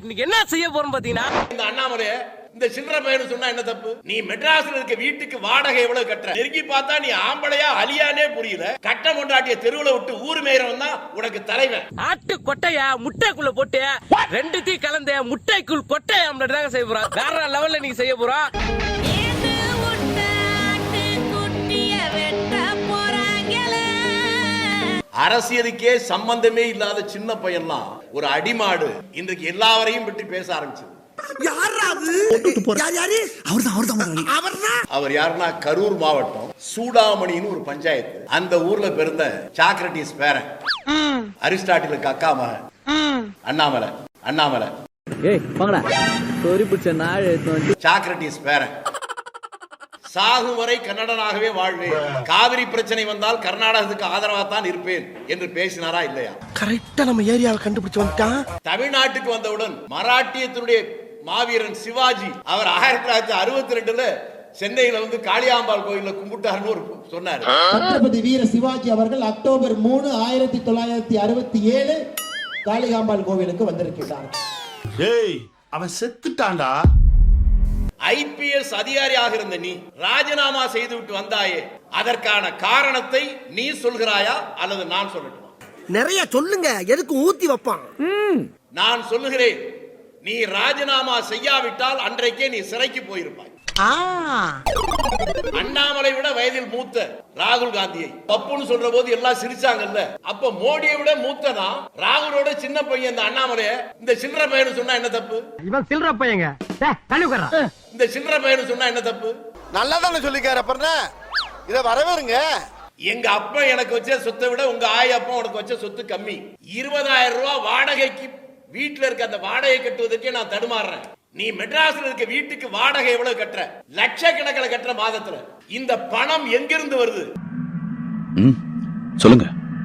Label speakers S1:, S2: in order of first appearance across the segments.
S1: இன்னைக்கு என்ன செய்ய போறோம் பாத்தீங்கன்னா,
S2: இந்த அண்ணாமலை இந்த சில்லற பையன் சொன்னா என்ன தப்பு? நீ மெட்ராஸ்ல இருக்க வீட்டுக்கு வாடகை எவ்வளவு கட்டுற? நெருங்கி பார்த்தா நீ ஆம்பளையா அலியானே புரியல. கட்ட கொண்டாட்டிய தெருவுல விட்டு ஊர் மேயறவன் தான் உனக்கு தலைவன்.
S1: ஆட்டு கொட்டைய முட்டைக்குள்ள போட்டு ரெண்டு தீ கலந்து முட்டைக்குள் கொட்டை ஆம்லெட் தாங்க செய்ய போறோம். வேற லெவல்ல நீங்க செய்ய போறோம்.
S2: அரசியலுக்கே சம்பந்தமே இல்லாத சின்ன பையன்லாம் ஒரு அடிமாடு இன்றைக்கு எல்லாவரையும் பற்றி பேச ஆரம்பிச்சது. அவர் யாருன்னா கரூர் மாவட்டம் சூடாமணின்னு ஒரு பஞ்சாயத்து. அந்த ஊர்ல பிறந்த சாக்ரட்டிஸ் பேரன், அரிஸ்டாட்டிலுக்கு அக்கா மகன் அண்ணாமலை. அண்ணாமலை சாக்ரட்டிஸ் பேரன். சாகும் வரை கன்னடனாகவே வாழ்வேன், காவிரி பிரச்சனை வந்தால் கர்நாடகத்துக்கு ஆதரவா தான் இருப்பேன் என்று பேசினாரா இல்லையா?
S3: கரெக்டா நம்ம ஏரியாவை கண்டுபிடிச்சு வந்துட்டான்.
S2: தமிழ்நாட்டுக்கு வந்தவுடன் மராட்டியத்தினுடைய மாவீரன் சிவாஜி அவர் 1962 சென்னையில வந்து காளியாம்பாள் கோயில்ல கும்பிட்டாருன்னு ஒரு சொன்னாரு.
S4: சத்ரபதி வீர சிவாஜி அவர்கள் அக்டோபர் 3, 1967 காளிகாம்பாள் கோவிலுக்கு வந்திருக்கிறார்.
S3: அவன் செத்துட்டான்டா.
S2: ஐபிஎஸ் அதிகாரியாக இருந்த நீ ராஜினாமா செய்து விட்டு வந்தாயே, அதற்கான காரணத்தை நீ சொல்கிறாயா அல்லது நான் சொல்லட்டுமா?
S3: நிறைய சொல்லுங்க, எதுக்கு ஊத்தி வைப்பான்?
S2: நான் சொல்லுகிறேன், நீ ராஜினாமா செய்யாவிட்டால் அன்றைக்கே நீ சிறைக்கு போயிருப்பாய். அண்ணாமலை விட வயதில் மூத்த ராகுல் காந்தியை பப்புன்னு சொல்ற போது எல்லாம் சிரிச்சாங்கல்ல. அப்ப மோடியை விட மூத்தனா ராகுலோட சின்ன பையன் இந்த அண்ணாமலைய இந்த சில்லற பையன் சொன்னா என்ன தப்பு?
S1: இவன் சில்லற பையங்க.
S2: இந்த சில்லற பையன் சொன்னா என்ன தப்பு?
S3: நல்லா தானே சொல்லிக்கார அப்பறனா இத வரவேறுங்க.
S2: எங்க அப்பா எனக்கு வச்ச சொத்தை விட உங்க ஆய் அப்பா உனக்கு வச்ச சொத்து கம்மி. 20,000 ரூபாய் வாடகைக்கு வீட்டுல இருக்க அந்த வாடகை கட்டுவதற்கே நான் தடுமாறுறேன். நீ மெட்ராஸ்ல இருக்க வீட்டுக்கு வாடகை எவ்வளவு கட்டுற? லட்சக்கணக்கில் கட்டுற மாதத்துல. இந்த பணம் எங்கிருந்து வருது?
S5: சொல்லுங்க.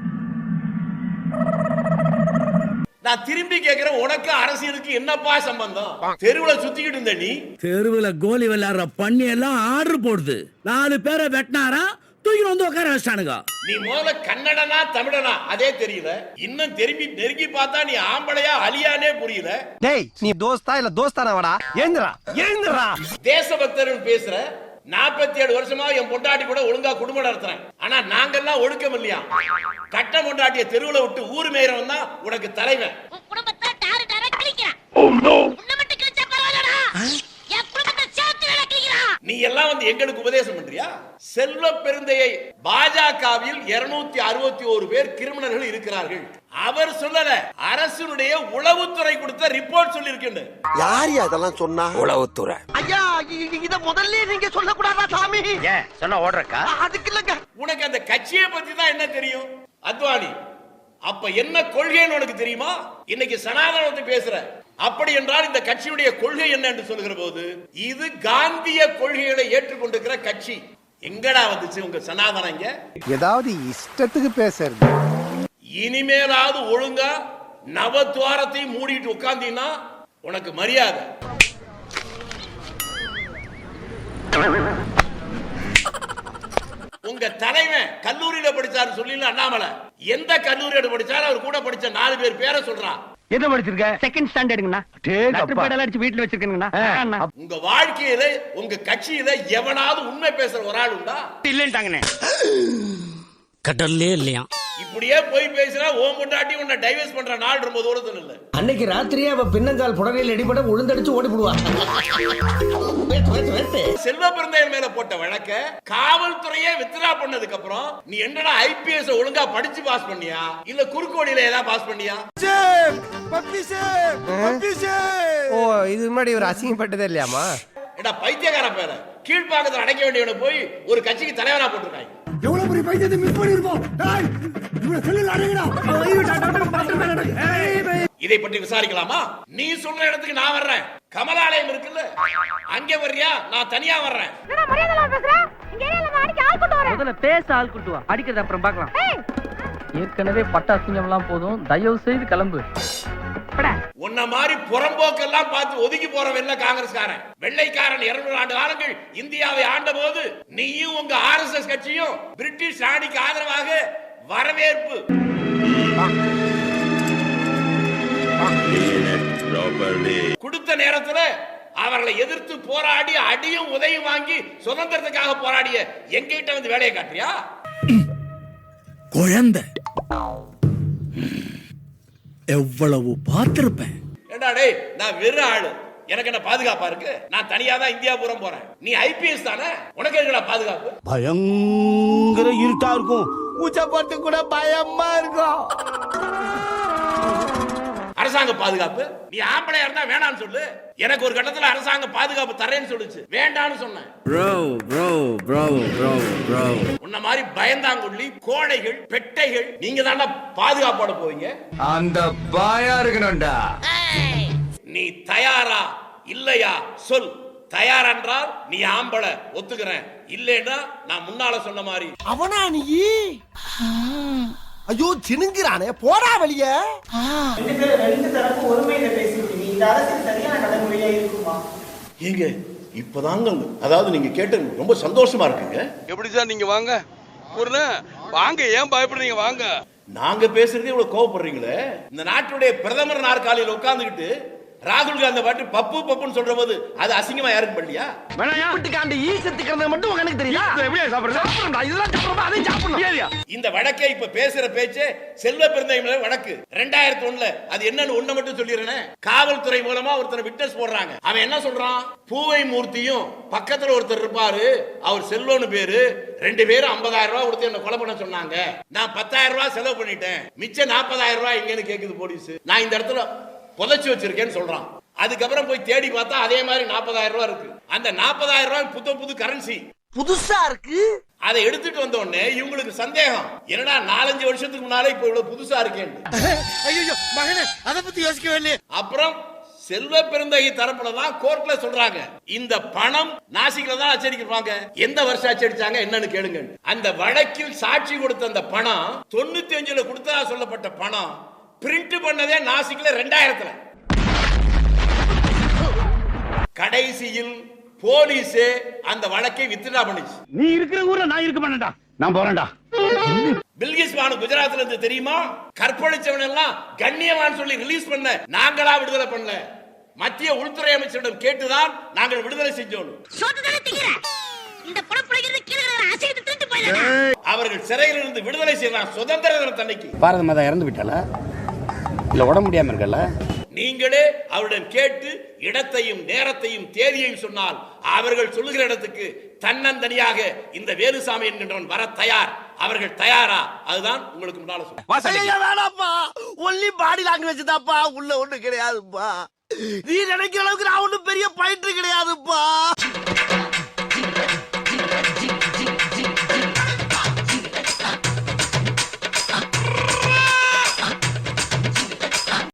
S2: நான் திரும்பி கேக்குறேன், உனக்கு அரசியலுக்கு என்னப்பா சம்பந்தம்? தெருவுல சுத்திக்கிட்டு இருந்த நீ,
S6: தெருவுல கோலி விளையாடுற பண்ணி எல்லாம் ஆர்டர் போடுது. 4 பேரை வெட்டினாரா தூக்கி வந்து உட்கார வச்சானுங்க.
S2: நீ முதல்ல கன்னடனா தமிழனா அதே தெரியல. இன்னும் திரும்பி நெருங்கி பார்த்தா நீ ஆம்பளையா அலியானே புரியல.
S3: டேய், நீ தோஸ்தா இல்ல தோஸ்தானவாடா? ஏந்திரா ஏந்திரா.
S2: தேசபக்தர்கள் பேசுற. 47 வருஷமா என் பொண்டாட்டி கூட ஒழுங்கா குடும்பம் நடத்துறேன். ஆனா நாங்கெல்லாம் ஒழுக்கம் இல்லையா? கட்ட பொண்டாட்டிய தெருவுல விட்டு ஊர் மேயறவன் தான் உனக்கு தலைவன். நீ எல்லாம் வந்து எங்களுக்கு உபதேசம் பண்றியா? செல்வ பெருந்தையை பாஜகவில் 261 பேர் கிரிமினல்கள் இருக்கிறார்கள். அவர் சொல்லல, அரசுடைய உளவுத்துறை கொடுத்த ரிப்போர்ட் சொல்லி இருக்கு.
S3: யார் அதெல்லாம் சொன்னா? உளவுத்துறை. ஐயா, இத முதல்ல நீங்க சொல்ல கூடாதா சாமி?
S5: ஏன் சொன்னா ஓடுறக்கா?
S3: அதுக்கு இல்லங்க.
S2: உனக்கு அந்த கட்சியை பத்தி தான் என்ன தெரியும்? அத்வானி அப்ப என்ன கொள்கைன்னு உனக்கு தெரியுமா? இன்னைக்கு சனாதனத்தை பேசுற. அப்படி என்றால் இந்த கட்சியுடைய கொள்கை என்ன என்று சொல்கிற போது, இது காந்திய கொள்கைகளை ஏற்றுக்கொண்டிருக்கிற கட்சி. எங்கடா வந்துச்சு உங்க சனாதனம்? இங்க
S3: ஏதாவது இஷ்டத்துக்கு பேசுறது.
S2: இனிமேலாவது ஒழுங்கா நவத்வாரத்தையும் மூடிட்டு உட்கார்ந்தீங்கன்னா உனக்கு மரியாதை. உங்க தலைவன் கல்லூரியில படிச்சாரு சொல்லி அண்ணாமலை எந்த கல்லூரியில படிச்சாரு? அவர் கூட படிச்ச 4 பேர் பேரை சொல்றான்.
S1: என்ன படிச்சிருக்க? செகண்ட் ஸ்டாண்டர்டுங்கண்ணா. அடிச்சு வீட்டுல வச்சிருக்கீங்கண்ணா. உங்க வாழ்க்கையில உங்க கட்சியில எவனாவது உண்மை பேசுற ஒரு ஆள் உண்டா? இல்லன்ட்டாங்கண்ணே. கடல்லே இல்லையா?
S2: இப்படியே போய் பேசினா ஓம் பொண்டாட்டி உன்னை டைவர்ஸ் பண்ற நாள் ரொம்ப தூரத்துல இல்ல.
S4: அன்னைக்கு ராத்திரியே அவ பின்னங்கால் புடவையில் அடிபட உளுந்தடிச்சு ஓடி போடுவா.
S2: செல்வ பெருந்தையன் மேல போட்ட வழக்க காவல்துறையே வித்ரா பண்ணதுக்கு அப்புறம் நீ என்னடா ஐபிஎஸ் ஒழுங்கா படிச்சு பாஸ் பண்ணியா இல்ல குறுக்கோடியில ஏதாவது பாஸ் பண்ணியா?
S3: ஓ, இது முன்னாடி ஒரு அசிங்கப்பட்டதே இல்லையாமா?
S2: ஏடா பைத்தியக்கார பேர, கீழ்பாக்கத்துல அடைக்க வேண்டியவனை போய் ஒரு கட்சிக்கு தலைவரா போட்டிருக்காங்க.
S6: எவ்வளவு பெரிய பைத்தியத்தை மிஸ் பண்ணிருப்போம்.
S2: இதை பற்றி விசாரிக்கலாமா? நீ சொல்ற இடத்துக்கு நான் வர்றேன். கமலாலயம் இருக்குல்ல, அங்கே வர்றியா? நான் தனியா வர்றேன்.
S1: முதல்ல பேச ஆள் கூட்டு வா, அடிக்கிறது அப்புறம் பார்க்கலாம். ஏற்கனவே பட்டாசிங்கம் எல்லாம் போதும், தயவு செய்து கிளம்பு.
S2: உன்ன மாதிரி புறம்போக்கெல்லாம் பார்த்து ஒதுக்கி போறவன் காங்கிரஸ்காரன். வெள்ளைக்காரன் 200 ஆண்டு காலங்கள் இந்தியாவை ஆண்ட போது நீயும் உங்க RSS கட்சியும் பிரிட்டிஷ் ராணிக்கு ஆதரவாக வரவேற்பு கொடுத்த நேரத்துல அவர்களை எதிர்த்து போராடி அடியும் உதவியும் வாங்கி சுதந்திரத்துக்காக போராடிய எங்கிட்ட வந்து வேலையை காட்டுறியா?
S6: குழந்தை எவ்வளவு பார்த்திருப்பேன்.
S2: ஏண்டா டேய், நான் வெறும் ஆளு, எனக்கு என்ன பாதுகாப்பா இருக்கு? நான் தனியா தான் இந்தியா பூரா போறேன். நீ ஐபிஎஸ் தானே, உனக்கு எங்கடா பாதுகாப்பு?
S3: பயங்கர இருட்டா இருக்கும், உச்சப்பட்டு கூட பயமா இருக்கும்.
S2: அரசாங்க பாதுகாப்பு நீ ஆம்பளையா இருந்தா வேணான்னு சொல்லு. எனக்கு ஒரு கட்டத்துல அரசாங்க பாதுகாப்பு தரேன்னு சொல்லுச்சு, வேண்டான்னு சொன்னேன். உன்ன மாதிரி பயந்தாங்குள்ளி கோழைகள் பெட்டைகள் நீங்க தாண்டா பாதுகாப்போட போவீங்க.
S3: அந்த பாயா இருக்கணும்டா.
S2: நீ தயாரா இல்லையா சொல். தயார் என்றால் நீ ஆம்பளை, ஒத்துக்கிறேன். இல்லைன்னா நான் முன்னால சொன்ன மாதிரி
S3: அவனா நீ? ஐயோ சினுங்கிறானே, போடா வெளிய.
S5: ரெண்டு தரப்பு ஒருமையில பேசிட்டீங்க. இந்த அரசியல் சரியான நடைமுறையா இருக்குமா?
S2: ஏங்க இப்பதாங்க, அதாவது நீங்க கேட்டது ரொம்ப சந்தோஷமா இருக்குங்க.
S7: எப்படி சார் நீங்க வாங்க வாங்க, ஏன் பயப்படுறீங்க? வாங்க.
S2: நாங்க பேசுறதே இவ்வளவு கோவப்படுறீங்களே. இந்த நாட்டுடைய பிரதமர் நாற்காலியில் உட்கார்ந்துகிட்டு ராகுல் காந்தி பாட்டு பப்பு பப்புன்னு சொல்ற போது அது அசிங்கமா யாருக்கு பண்ணலையா?
S3: மட்டும் எனக்கு தெரியும்.
S2: இந்த வழக்கை இப்ப பேசுற பேச்சே செல்வ பெருந்தகை வழக்கு 2001 அது என்னன்னு ஒண்ணு மட்டும் சொல்லிடுறேன். காவல்துறை மூலமா ஒருத்தர் விட்னஸ் போடுறாங்க. அவன் என்ன சொல்றான்? பூவை மூர்த்தியும் பக்கத்துல ஒருத்தர் இருப்பாரு, அவர் செல்வம்னு பேரு, 2 பேரும் 50,000 ரூபாய் கொடுத்து என்ன கொலை பண்ண சொன்னாங்க. நான் 10,000 ரூபாய் செலவு பண்ணிட்டேன், மிச்சம் 40,000 ரூபாய் எங்கன்னு கேக்குது போலீஸ். நான் இந்த இடத்துல புதைச்சு வச்சிருக்கேன்னு சொல்றான். அதுக்கப்புறம் போய் தேடி பார்த்தா அதே மாதிரி 40,000 ரூபாய் இருக்கு. அந்த 40,000 ரூபாய் புது கரன்சி
S3: புதுசா இருக்கு.
S2: அதை எடுத்துட்டு வந்த உடனே இவங்களுக்கு சந்தேகம், என்னடா 4-5 வருஷத்துக்கு முன்னாலே இப்ப இவ்வளவு புதுசா இருக்கேன்.
S3: ஐயோ மகனே, அத பத்தி யோசிக்கவே இல்லையே.
S2: அப்புறம் செல்வ பெருந்தகை தரப்புலதான் கோர்ட்ல சொல்றாங்க, இந்த பணம் நாசிக்ல தான் அச்சடிக்கிறாங்க. எந்த வருஷம் அச்சடிச்சாங்க என்னன்னு கேளுங்க. அந்த வழக்கில் சாட்சி கொடுத்த அந்த பணம் 95ல கொடுத்ததா சொல்லப்பட்ட பணம் பிரிண்ட் பண்ணதே நாசிக்ல 2000ல. கடைசியில் போலீஸ் அந்த வழக்கை வித்ட்ரா பண்ணிச்சு.
S1: நீ இருக்கிற ஊர்ல நான் இருக்க மாட்டேன்டா, நான் போறேன்டா.
S2: பில்கிஸ் பானு குஜராத்ல இருந்து தெரியுமா? கற்பழிச்சவன் எல்லாம் கண்ணியவான் சொல்லி ரிலீஸ் பண்ண நாங்களா விடுதலை பண்ணல, மத்திய உள்துறை அமைச்சரிடம் கேட்டுதான் நாங்கள் விடுதலை செஞ்சோம். அவர்கள் சிறையில் இருந்து விடுதலை செய்யலாம் சுதந்திர தினத்தன்னைக்கு.
S1: பாரத மாதா இறந்து விட்டாளா இல்ல உடம்பு முடியாம இருக்கல?
S2: நீங்களே அவருடன் கேட்டு இடத்தையும் நேரத்தையும் தேதியையும் சொன்னால் அவர்கள் சொல்லுகிற இடத்துக்கு தன்னந்தனியாக இந்த வேலுசாமி என்கின்றவன் வர தயார். அவர்கள் தயாரா? அதுதான் உங்களுக்கு முன்னால
S3: வேணாப்பா, ஒன்லி பாடி லாங்குவேஜ் தான்ப்பா, உள்ள ஒண்ணு கிடையாதுப்பா. நீ நினைக்கிற அளவுக்கு நான் ஒண்ணும் பெரிய